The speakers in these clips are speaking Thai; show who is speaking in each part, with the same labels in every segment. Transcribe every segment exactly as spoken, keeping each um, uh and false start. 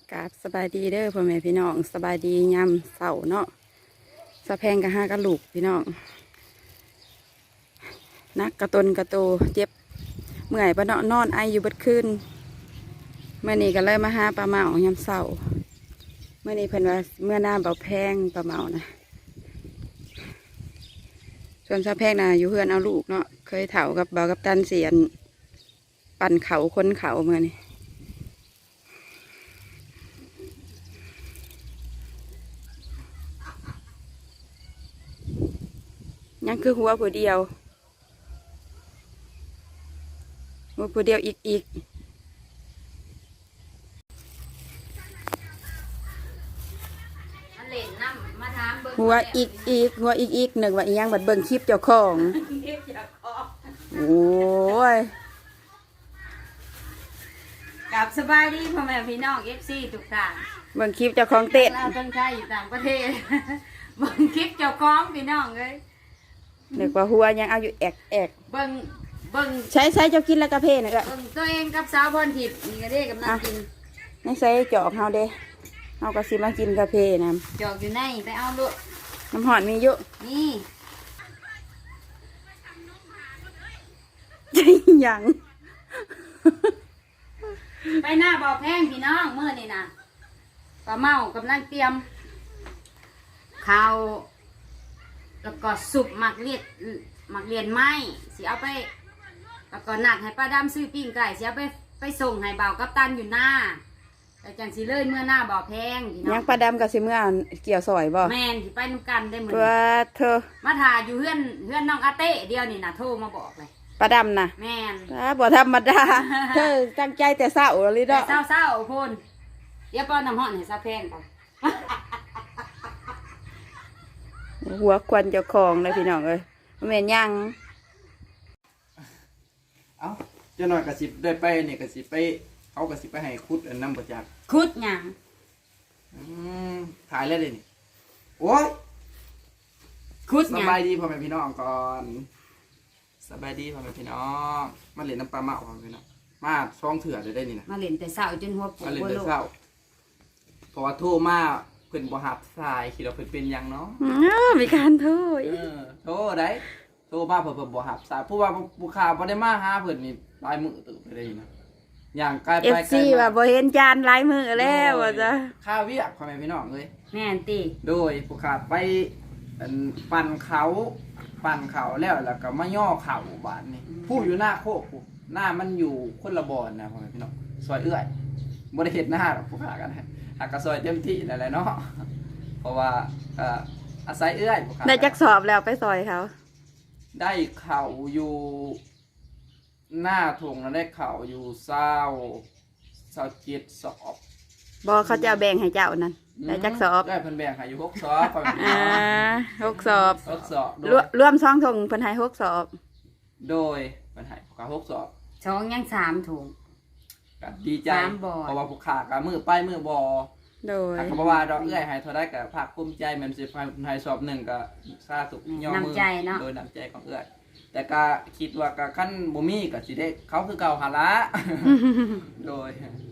Speaker 1: กราบสบายดีเด้อพ่อแม่พี่น้องสบายดียามเสาเนาะสะแพงกะห้ากะลูกพี่น้องนักกระตนกระโตเจ็บเมื่อยปะเนาะนอนไออยู่เบิดคืนเมื่อนี้ก็เลยมาหาปลาเมายามเสาเมื่อนี้เพิ่นว่าเมื่อหน้าเบาแพงปลาเมานะส่วนสะแพงน่ะอยู่เพื่อนเอาลูกเนาะเคยเถากับเบากับตันเสียนปั่นเขาคนเขาเมื่อนี้ยังคือหัวผู้เดียวหัวผู้เดียวอีกอีกหัวอีกอีกหัวอีกอีกหนึ่งว่าอีหยังบัดเบิ่งคลิปเจ้าของโอ้ย
Speaker 2: กับสบายดีพ่อแม่พี่น้องเอฟซีทุกท่าน
Speaker 1: เบิ่งคลิปเจ้าของเต้น
Speaker 2: เราต้องใช้อยู่ต่างประเทศ เบิ่งคลิปเจ้าของพี่น้องเลย
Speaker 1: เด็กว่าหัวยังเอาอยู่แอกแอก
Speaker 2: เบิ่งเบิ่ง
Speaker 1: ใช้ใช้เจ้ากินแล้วกระเพาะนะก็
Speaker 2: เบิ่งตัวเองกับสาวพรทิพย์นี่ก็ได้กับน้ำกิน
Speaker 1: ไม่ใส่จอกเฮาเด้เฮาก็สิมากินกระเพาะนะ
Speaker 2: จอกอยู่ในไปเอาลูก
Speaker 1: น้ำหอดมีเยอะ
Speaker 2: นี่
Speaker 1: ใช่ยัง
Speaker 2: ไปหน้าบ่อแพงพี่น้องเมื่อนี่นะปลาเมากำลังเตรียมข้าวแล้วก็สุปหมักเลียดหมักเลียนไม้สิเอาไปแล้วก็หนักให้ป้าดำซื้อปิ้งไก่สิเอาไปไปส่งให้เบากับตันอยู่หน้าแต่จังสิเลยเมื่อหน้าบ่อแพงพี่น้
Speaker 1: ยั
Speaker 2: อง ง
Speaker 1: ปลาดำกับสิเมื่อเกี่ยวซอยบ่
Speaker 2: แม่นสิไปนุ่กันได้เหมือน
Speaker 1: ตัวเธอ
Speaker 2: มาถ่ายอยู่เฮือนเฮือนน้องอาเต้เดียวนี่นะโทรมาบอกเลย
Speaker 1: ปลาดำนะ
Speaker 2: แม่น
Speaker 1: อ่าบ่ธรรมดา เธอตั้งใจแต่เศร้าเลย
Speaker 2: แต่
Speaker 1: เนาะ
Speaker 2: เศร้าเศร้าๆพูนเดี๋ยวป้อนน้ำห้อนให้ซาแพงก่อน
Speaker 1: หัวควันเจ้าของเลยพี่น้องเอ้ยบ่แม่นยัง
Speaker 3: เอ้าเจ้าหน่อยกระสิบได้ไปเนี่ยกระสิบไปเขากระสิบไปให้คุดอันน้ำประจักษ์
Speaker 2: คุดหยัง
Speaker 3: อืมถ่ายแล้วเลยนี่โอ้ย
Speaker 2: คุด
Speaker 3: ส
Speaker 2: หยัง
Speaker 3: บายดีพ่อแม่พี่น้องก่อนสบายดีพ่อแม่พี่น้องมาเล่นน้ำปลาเมาพ่อแม่พี่น้องมาช่องเถื่อเลยได้นี่นะ
Speaker 2: มาเล่นแต่เศร้าจนหัวปวด
Speaker 3: มาเล่น
Speaker 2: หัว
Speaker 3: แต่
Speaker 2: โลก
Speaker 3: เช้าเพราะว่าโทรมาเพิ่นบ่หับสายคิดว่าเพิ่นเป็นหยังเนาะ
Speaker 1: อ้าวมีการโทษ
Speaker 3: เออโทรได้โทรมาเพิ่นเพิ่นบ่หับสายเพราะว่าผู้ข่าวบ่ได้มาหาเพิ่นนี่หลายมื้อตึกไปได้นี่นะอย่างไกล
Speaker 1: เอ
Speaker 3: ไป
Speaker 1: ฟ
Speaker 3: ไกล
Speaker 1: ซี
Speaker 3: มา
Speaker 1: ว่าบ่เห็นจานลายมือแล้วว่าจ้ะ
Speaker 3: ข้าวเวียกพ่อแม่พี่น้องเลย
Speaker 2: แม่นตี
Speaker 3: โดยผู้ขาดไปอันปั่นเขาปั่นเขาแล้วแล้วก็มาย่อเข่าบานนี่ผู้อยู่หน้าโคกผู้หน้ามันอยู่คนละบอนนะพ่อแม่พี่น้องซอยเอื้อยบริเหตุหน้าหรอกผู้ขากันนะหากกระซอยเต็มที่นั่นแหละเนาะเพราะว่าเอ่ออาศัยเอื้อยผู้ขา
Speaker 1: ได้จักสอบแล้วไปซอยเขา
Speaker 3: ได้เข่าอยู่หน้าทงแล้วได้เข่าอยู่เศร้าเศร้าเจ็ดสอบ
Speaker 1: บอเขาจะเอาแบ่งให้เจ้านั่นได้จักสอบ
Speaker 3: ได้เพิ่นแบ่งให้อยู่หกสอบพ่อแม่พี่
Speaker 1: อ่า
Speaker 3: น้อง
Speaker 1: หกสอบ
Speaker 3: หกสอบโด
Speaker 1: รวย รวมสองถุงเพิ่นให้หกสอบ
Speaker 3: โดยเพิ่นให้ผู้ขาหกสอบ
Speaker 2: ช้องยังสามถุง
Speaker 3: ก็ดีใจ
Speaker 2: สามบ่อ
Speaker 3: เพราะว่าผู้ขากับมือไปมือบอ
Speaker 1: โดย
Speaker 3: ถ้าเขาบอกว่าดอกเอื้อยให้เท่าได้กับภาคภูมิใจแมันสิให้สอบหนึ่งก็ซาสุกย่อมื
Speaker 2: น้ำใจเนาะ
Speaker 3: โดยน้ำใจของเอื้อยแต่ก็คิดว่าก็ขั้นบ่มีก็สิได้เขาคือเก่าหาละโดย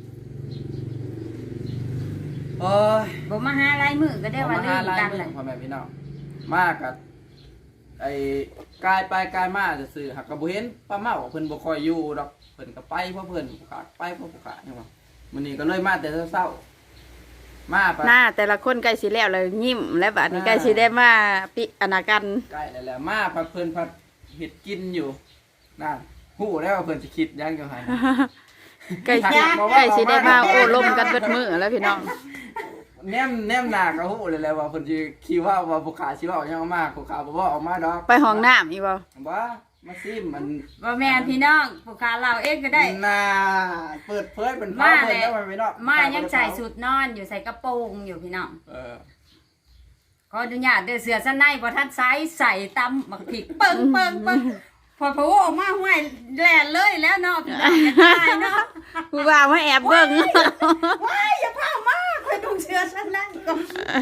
Speaker 3: โอ้ย
Speaker 2: บ่มาหาลายมือก็ได้ว่าลืมกัน
Speaker 3: เล
Speaker 2: เลย ย
Speaker 3: พ่อแม่พี่น้องมากกับไอ้กายไปกายมาจะสื่อหักกระบุเห็นป้าเมาเพิ่นบ่ค่อยอยู่ดอกเพิ่นก็ไปเพราะเพิ่นผู้ขาไปเพราะผู้ขาเนี่ยว่ามื้อนี้ก็เลยมาแต่เช้าๆมาไป
Speaker 1: หน้าแต่ละคนใกล้สิแล้วเลยยิ้มแล้วบัดนี้ใกล้สิได้มาปิอนากัน
Speaker 3: ใกล้แล้วแหละมาพัดเพิ่นพัดเห็ดกินอยู่นั่นหู้แล้วว่าเพิ่นสิคิดหยังจังไห้
Speaker 1: ใกล้สิใกล้สิได้มาโอ้ลมกันเบิดมือแล้วพี่น้อง
Speaker 3: แนมแนมหน้าก็ฮู้เลยแหละว่าเพิ่นสิคิดว่าว่าผู้ขาสิเว้าหยังออกมาผู้ขาบ่เว้าออกมาดอก
Speaker 1: ไปห้องน้ำอีกบ่
Speaker 3: บ่มาซิมมัน
Speaker 2: บ่แม่นพี่น้องผู้ค้าเราเองก็ได้
Speaker 3: น่าเปิดเผยเป็น
Speaker 2: มา
Speaker 3: เพิ่
Speaker 2: เลย
Speaker 3: นแล้วมันไม่เนาะ
Speaker 2: มายังใส่สุดนอนอยู่ใส่กระโปรงอยู่พี่น้อง
Speaker 3: เออ
Speaker 2: ขออนุญาตเด้อเสือสนในบ่ทันไซส์ใส่ตำหมักผิกเปิงเปิงเปิงพอพะโวออกมาห้วยแล่นเลยแล้วเนาะพี่น้องอย่าตายเนาะ
Speaker 1: ผู้บ่าวมาแอบเบิ่ง
Speaker 2: ว้ายอย่าพามาคอยดูเสือสนในก่อน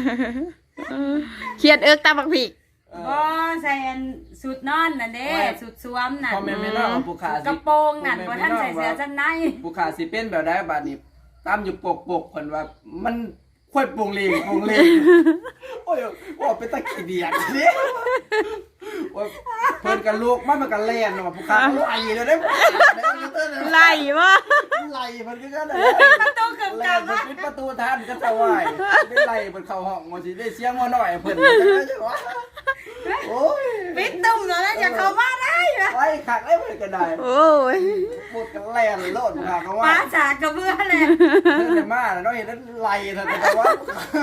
Speaker 1: เขียนเอิกตาบักผิก
Speaker 2: บ่ใส่อันสุดนอนน่ะเด้สุดสวมน่ะ
Speaker 3: พอแม่นไม่เนาะผู้ขาสิ
Speaker 2: กระโปรงนั่นบ่ทันใส่เสือสนใน
Speaker 3: ผู้ขาสิเป็นแบบใดบัดนี้ตามอยู่ปกปกเพิ่นว่ามันค่อยปรุงเลงปรุงเลงโอ้ยว่าเป็นตะขี้เดียดนี่ว่าเพิ่นกันลูกมันมันกันแล่นว่าผู้ค้าไหลเลยได้
Speaker 1: ไล่บ่
Speaker 3: ไหลเพิ่นคือกัน
Speaker 2: ประตูเกือบก
Speaker 3: แล่
Speaker 2: ลั
Speaker 3: น
Speaker 2: บ
Speaker 3: เพิ่น
Speaker 2: มา
Speaker 3: ปิดประตูทันก็จะไหวได้ไหลเพิ่นเข้าห้องว่าสิได้เสียงว่าน้อยเพิ่นจังว่าโอ้ย
Speaker 2: ปิดตุ้มแล้วนะอย่าเข้ามาได้เหรอ
Speaker 3: ไว้คักได้เพิ่นก็ได้
Speaker 1: โอ้ย
Speaker 3: พูดกันแล่นโลดผู้ค้าก็ว่า
Speaker 2: ป้าจากกระเบื้อเลย
Speaker 3: เพิ่นจะมาแล้วเนาะเห็นแล้วไหลเถอะแต่ว่า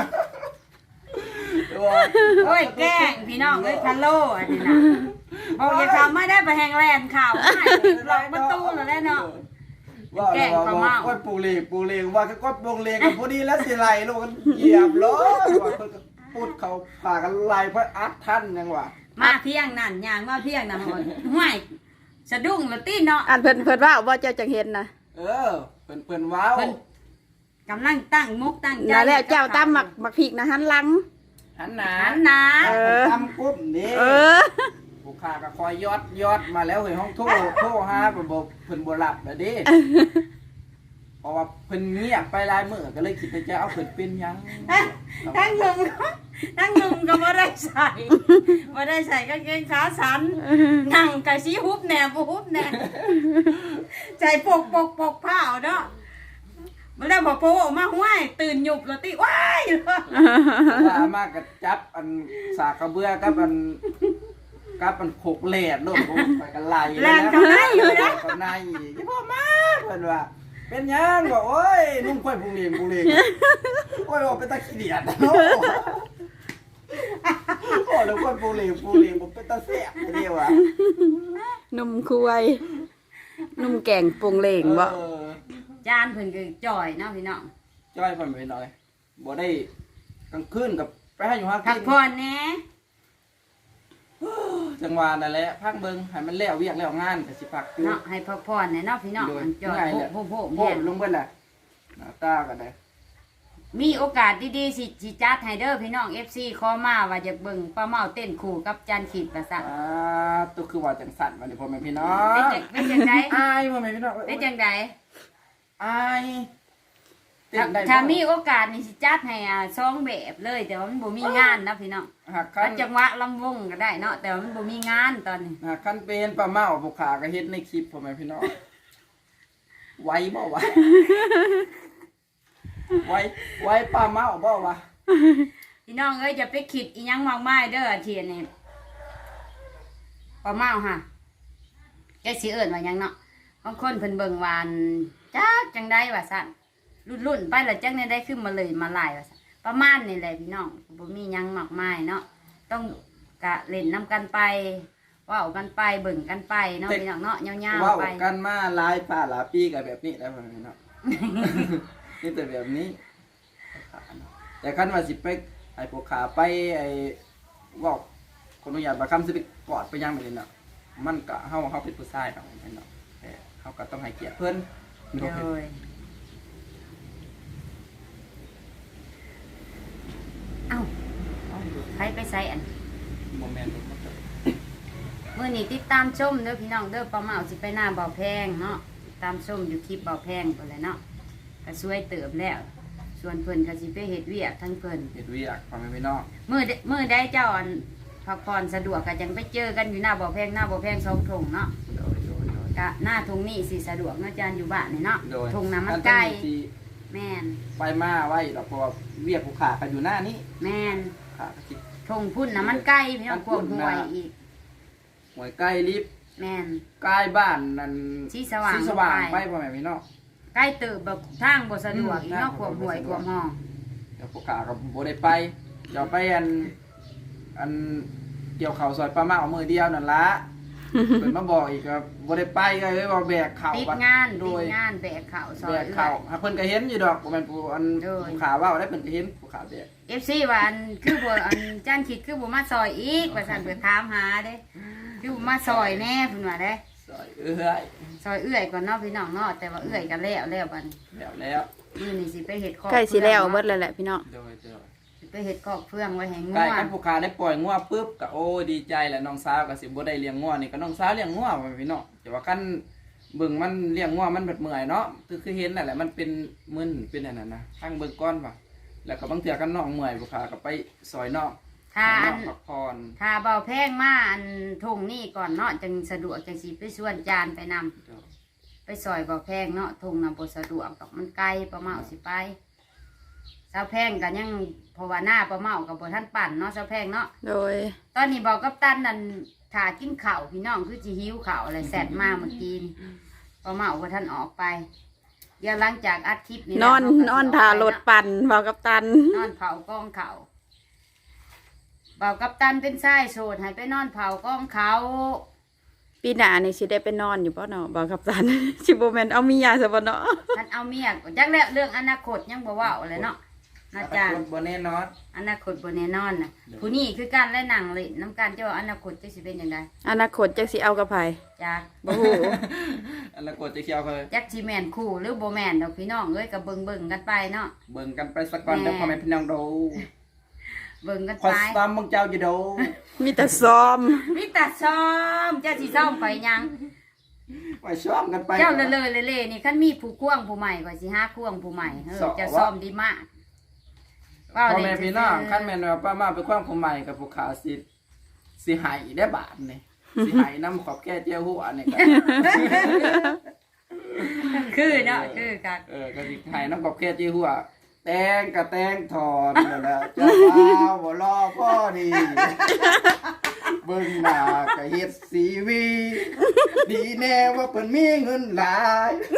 Speaker 2: โอ้ยแกล้งพี่น้องเอ้ยพะโล่อันนี้นะบอกอย่าเข้ามาได้ไปแหงแลนข่าวไม่ล็อกประตูแล้วแหละเนาะ
Speaker 3: ว่า
Speaker 2: แกล้งปลาเมา
Speaker 3: ก้อยปูเลงปูเลงว่าก็ก้อยปูเลงกันพอดีแล้วสิไหลลูกกันเหยียบล้อว่าเพิ่นก็พูดเขาพากันไหลเพราะอัดท่านยังว่า
Speaker 2: มาเพียงนั่นยางมาเพียงนั่นหมดห่วยสะดุ้งแล้วตีเนาะ
Speaker 1: อันเพิ่นเพิ่นว่าว่าเจ้าจังเห็นนะ
Speaker 3: เออเพิ่นเพิ่นว้าว
Speaker 2: เพิ่นกำลังตั้งมุกตั้งใจ
Speaker 1: นั่นแหละเจ้าตำหมักหมักพริกนะหันหลัง
Speaker 3: หันหนา
Speaker 2: หันหนา
Speaker 1: เออ
Speaker 3: ทำกุ้มนี่
Speaker 1: เออ
Speaker 3: ผู้ค้าก็คอยยอดยอดมาแล้วเฮ้ยห้องโทรโทรหาเพิ่นบ่เพิ่นบ่รับแล้วเด้เพราะว่าเพิ่นเงียบไปหลายมื้อก็เลยคิดว่าจะเอาเพิ่นเป็นหยัง
Speaker 2: ทั้งหนุ่มก็ทั้งหนุ่มก็บ่ได้ใส่บ่ได้ใส่กางเกงขาสันนั่งกะสีฮุบแหน่บ่ฮุบแหน่ใจปกปกปกผ้าเอาเนาะมันแล้วบ่โปออกมาห้วยตื่นหยุบแล้วติว้ายเลย
Speaker 3: ลามากก็จับอันสากกระเบือกับอันกับอันโขกแหลดโลดไปกันไหล
Speaker 2: แลนกันไหนอยู่นะ
Speaker 3: กันไหนอีพ่อมาเพิ่นว่าเป็นหยังบอกโอ้ยนุ่มค่อยพุงเลงพุงเลงโอ้ยบอกเป็นตะขี้เดียดเนาะโอ้แล้วค่อยพุงเลงพุงเลงบ่เป็นตะแซ่บเดียวอ่ะ
Speaker 1: นุ่มคุยนุ่มแกงปรุงเหลงบ่
Speaker 3: เออ
Speaker 2: จานเพิ่นก็จ่อยเนาะพี่น้อง
Speaker 3: จ้อยเพิ่นไปหน่อยบ่ได้กลางคืนกับไปให้อยู่หา
Speaker 2: พั
Speaker 3: กิ
Speaker 2: ก
Speaker 3: น
Speaker 2: ผ่อนแหน่
Speaker 3: จังหวะนั่นแหละพักเบิ่งให้มันแล้วเวียกแล้วงานก็สิพักอยู่
Speaker 2: เนาะให้พักผ่อนแหน่เนาะพี่น้อง
Speaker 3: โดย
Speaker 2: มันจ่อย
Speaker 3: ง่าย
Speaker 2: โผ
Speaker 3: แหละ
Speaker 2: โผโผ
Speaker 3: โพ
Speaker 2: แห้
Speaker 3: ด
Speaker 2: ง
Speaker 3: ลงเบิ่นแหละหน้าตาก็ได้
Speaker 2: มีโอกาสดีๆสิสิจัดให้เด้อพี่น้อง เอฟ ซี ขอมาว่าอยากเบิ่งป้าเมาเต้นคู่กับจันขีดประสาท
Speaker 3: อ่าตัวคือว่าจังสั่นวันนี้พ่อแม่พี่น้อ
Speaker 2: เป็น
Speaker 3: ง
Speaker 2: จังเป็นจังได
Speaker 3: อายพ่อแม่พี่น้อง
Speaker 2: เป็นจังได
Speaker 3: อายเต้นได้บ่
Speaker 2: ถ้ามีโอกาสนี่สิจัดให้อ่าสองแบบเลยแต่ว่ามันบ่มีงานนะพี่น้อง
Speaker 3: หากคั
Speaker 2: อั
Speaker 3: น
Speaker 2: นจังหวะลำวงก็ได้เนาะแต่ว่ามันบ่มีงานตอนนี้
Speaker 3: หากคันเป็นปลาเมาผู้ขาก็เฮ็ดในคลิปพ่อแม่พี่น้องไวบ่วะไวไวปลาเมาบ่วะ
Speaker 2: พี่น้องเอ้ยอย่าไปคิดอีหยังมากมายเด้ออาเทียนนี่ป้าเมาฮะแกสิเอิ้นว่าหยังเนาะบางคนเพิ่นเบิ่งวาอันจักจังไดว่าซั่นรุ่นๆไปแล้วจังได๋ได้ขึ้นมาเลยมาหลายว่าซั่นประมาณนี่แหละพี่น้องบ่มีหยังมากมายเนาะต้องกะเล่นนํกันไปเว้ากันไปเบิ่งกันไปเนาะพี่น้องเนาะยาว
Speaker 3: เว้า
Speaker 2: ๆไป
Speaker 3: กันมาหลายป่าหลายปีก็แบบนี้แหล้วพ่อแม่พี่น้อง นี่แต่แบบนี้ แต่คันว่าสิไปไอ้พวกขาไปไอ้เว่าคนอนุญาตบางคำสิไปกอดไปยังแบบนี้เนาะมันก็เฮาเฮาเป็นผู้ชายเนาะเนาะแต่เฮาก็ต้องให้เกียรติเพิ่น
Speaker 2: โดยเอ้าไปไปใส่อัน
Speaker 3: โมเมนต์
Speaker 2: มื่อนี้ติดตามชมเด้อพี่น้องเด้อป้าเมาสิไปหน้าเบาแพงเนาะติดตามชมอยู่คลิปเบาแพงไปเลยเนาะก็ช่วยเติมแล้ว ส่วนเพิ่นก็สิไปเฮ็ดเวียกทั้งเพิ่น
Speaker 3: เฮ็ดเวียกพ่อแม่พี่น้อง
Speaker 2: มื่อใดมื่อได้เจ้าอันพักผ่อนสะดวกก็จังไปเจอกันอยู่หน้าเบาแพงหน้าเบาแพงสองทงเนาะ
Speaker 3: โดยโดยโดย
Speaker 2: ก็หน้าทงนี้สิสะดวกเนาะจานอยู่บ้านนี่เนาะ
Speaker 3: โดย
Speaker 2: ทงน้ำมันไก่
Speaker 3: อัที่
Speaker 2: แม่น
Speaker 3: ไปมาไว้ดอกเพราะว่าเวียกผู้ขากันอยู่หน้านี้
Speaker 2: แม่น
Speaker 3: ขาก็คิด
Speaker 2: ทงพุ่นน้ำมันไก่พี่น้อง
Speaker 3: มัน
Speaker 2: พ
Speaker 3: พุ่
Speaker 2: วก
Speaker 3: น
Speaker 2: หวย
Speaker 3: น่ะ
Speaker 2: อีก
Speaker 3: หวยใกล้ลิฟต์
Speaker 2: แม่น
Speaker 3: ใกล้บ้านนั่น
Speaker 2: สีสว่าง
Speaker 3: สีสว่าง
Speaker 2: ลง
Speaker 3: ไป
Speaker 2: ไป
Speaker 3: พ่อแม่พี่น้อง
Speaker 2: ใกล้เติบแบบทางบ่สะดวกอีกเนาะ
Speaker 3: อืม
Speaker 2: ขวบหวยขวบห้อง
Speaker 3: เดี๋ยวผู้ขาก็บ่ได้ไปเดี๋ยวไปอันอันเกี่ยวเข่าวซอยปลาเมามือเดียวนั่นละ เพิ่นมาบอกอีกก็บ่ได้ไปก็เลยว่าแบกเข่า
Speaker 2: ติด
Speaker 3: บัด
Speaker 2: งาน
Speaker 3: โด
Speaker 2: ติด
Speaker 3: ย
Speaker 2: งานแบกข่าวซอ
Speaker 3: แบ
Speaker 2: ย
Speaker 3: กเข่าหาเพิ่นก็เห็นอยู่ดอกบ่แม่นผู้อัน
Speaker 2: โดย
Speaker 3: ผู้ขาเว้าได้เพิ่นก็เห็นผู้ขาแบก
Speaker 2: เอฟซีว่าอันคือบ่อันจ้างคิดคือบ่มาซอยอีกว่าซั่นเพิ่นถามหาเด้คือบ่มาซอยแน่เพิ่นว่าเด้
Speaker 3: ซอยเอื้อย
Speaker 2: ซอยเอื้อยก่อนเนาะพี่น้องเนาะแต่ว่าเอื้อยก็แล้วแล้วบัดนี้
Speaker 3: แล้วแล้ว
Speaker 2: มื้อนี้สิไปเฮ็ดคอก
Speaker 1: ใกล้สิแล้วเบิ
Speaker 2: เบิ
Speaker 1: ดแล้วแหละพี่น้อง
Speaker 3: โดยโดย
Speaker 2: สิไปเฮ็ดคอกเฟืองไว้ให้งั
Speaker 3: ใกล้ว กันผู้ขาได้ปล่อยงัวปุ๊บก็โอ้ดีใจแหละน้องสาวก็สิบ่ได้เลี้ยงงัวนี่ก็น้องสาวเลี้ยงงัวพ่อแม่พี่น้องแต่ว่ากันเบิ่งมันเลี้ยงงัวมันแบบเมื่อยเนาะคือคือเห็นนั่นแหละมันเป็นมึนเป็นอันนั้นนะทั้งเบิ่งก้อนป่ะแล้วก็บางเทื่อกันน้องเมื่อยบ่ค่ะก็ไปซอยน้อง
Speaker 2: ถ้า
Speaker 3: ให้
Speaker 2: อั
Speaker 3: น้อน งพักผ่อน
Speaker 2: ถ้าเบาแพงมาอันทงนี่ก่อนเนาะจังสะดวกจังสิไปส่วนจานไปนำไปซอยเบาแพงเนาะทงน่ะบ่สะดวกดอกมันไกลประเมาสิไปสาวแพงก็ยังเพราะว่าหน้าประเมากับบ่ทันปั่นเนาะสาวแพงเนาะ
Speaker 1: โดย
Speaker 2: ตอนนี้บอกกับตันนั่นถ้ากินข้าวพี่น้องคือสิหิวข้าวอะไรแซ่บมาเมื่อกี้นี่ประเมาบ่ทันออกไปเดี๋ยวหลังจากอัดคลิปนี่
Speaker 1: นอน
Speaker 2: แล้วเรก็สิ
Speaker 1: นอนทารถปั่นบอกกับตัน
Speaker 2: นอนเผากองเขาเบากับตันเป็นไส้โสดให้ไปนอนเผากองเขา
Speaker 1: ปีหน้านี่สิได้ไปนอนอยู่ป่ะเนาะบอกกับตัน สิบ่แม่นเอาเมียซะบ่เนาะ
Speaker 2: ท่านเอาเมียก็จักแล้วเรื่องอนาคตยังบ่เว้าเลยเนาะนะจ๊ะ
Speaker 3: อนาคตบ่แน่นอน
Speaker 2: อนาคตบ่แน่นอนน่ะผู้นี้คือการและหนังเลยน้ำการเจ้าอนาคตจะสิเป็นยังไง
Speaker 1: อนาคตจักสิเอากับไผ
Speaker 2: จาก
Speaker 1: บ่ฮู้
Speaker 3: อนาคตจะเคี่ยวเคย
Speaker 2: จักสิแม่นคู่หรือบ่แม่นดอกพี่น้องเอ้ยก็เบิ่งๆกันไปเนาะ
Speaker 3: เบิ่งกันไปสักก่อนจะพ่อแม่พี่น้องดู
Speaker 2: เบิ่งกัน
Speaker 3: คอ
Speaker 2: ไป
Speaker 3: สตอมมึงเจ้าอยู่ดู
Speaker 1: มีแต่ซ้อม
Speaker 2: มีแต่ซ้อมเจ้าสิซ้อมไปยัง
Speaker 3: ไปซ้อมกันไป
Speaker 2: เจ้าเลยเลยเลยเลยนี่คันมีผู้ควงผู้ใหม่ก็สิหาควงผู้ใหม่เออจะซ้อมดีมาก
Speaker 3: พ่อแม่พี่น้องขั้นแม่นว่าป้ามาไปคว้างผู้ใหม่กับผู้ขาสิสิหายได้บาทนี่สิหายน้ำขอบแก้เจ้าหัวนี่กัน
Speaker 2: คือเนาะคือกัน
Speaker 3: เออก็สิหายน้ำขอบแก้เจ้าหัวแตงกับแตงถอนนั่นแหละเจ้าบ่าวบ่รอพ่อดีเบิ่งหน้าก็เฮ็ดซีวี ดีแน่ว่าเพิ่นมีเงินหลาย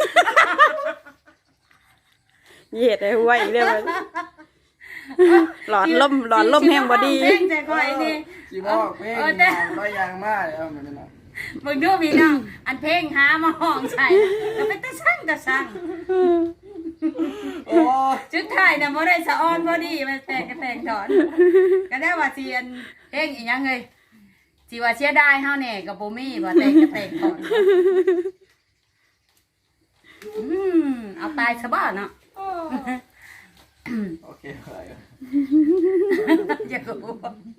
Speaker 1: เหยียดให้ไว้เด้อมันหลอดลมหลอดลมแห้งบ่ดี
Speaker 2: เพ่งใจคอยนี่
Speaker 3: สิบอกเพลง
Speaker 2: เออแต่
Speaker 3: ร้อยอย่างมากเอาแม่นน่ะ
Speaker 2: มึงดูพี่น้องอันเพลงหามาห้องใส่ก็เป็นตะสั่งตะสั่ง
Speaker 3: โอ้ย
Speaker 2: จุดท้ายน่ะบ่ได้สะออนบ่ดีมันแตกกระแตงถอนก็ได้ว่าสิอันเพลงอีหยังเอ้ยสิว่าเสียดายเฮาแน่ก็บ่มีว่าแตกกระแตงถอนอืมเอาตายซะบ่เนาะ
Speaker 3: โอเคอะไรอ่ะ
Speaker 2: อย่ากู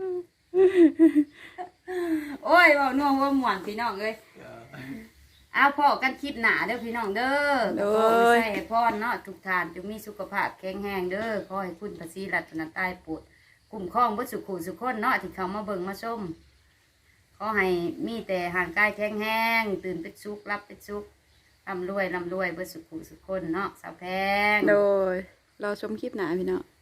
Speaker 2: โอ้ยเว้านัวหัวม่วนพี่น้องเอ้ยเอาพ่อกันคลิปหนาเด้อพี่น้องเด้อ
Speaker 1: โด
Speaker 2: ขอให้
Speaker 1: ย
Speaker 2: ใส่ให้พรเนาะทุกท่านจงมีสุขภาพแข็งแรงเด้อขอให้คุณพระศรีรัตนตรัยโปรดคุ้มครองบ่สุขุสุขคนเนาะที่เขามาเบิ่งมาชมขอให้มีแต่ห่างกายแข็งแรงตื่นเป็นสุขรับเป็นสุขร่ำรวยร่ำรวยบ่สุขุสุขคนเนาะสาวแพง
Speaker 1: โดยเราชมคลิปหน้าพี่เนาะ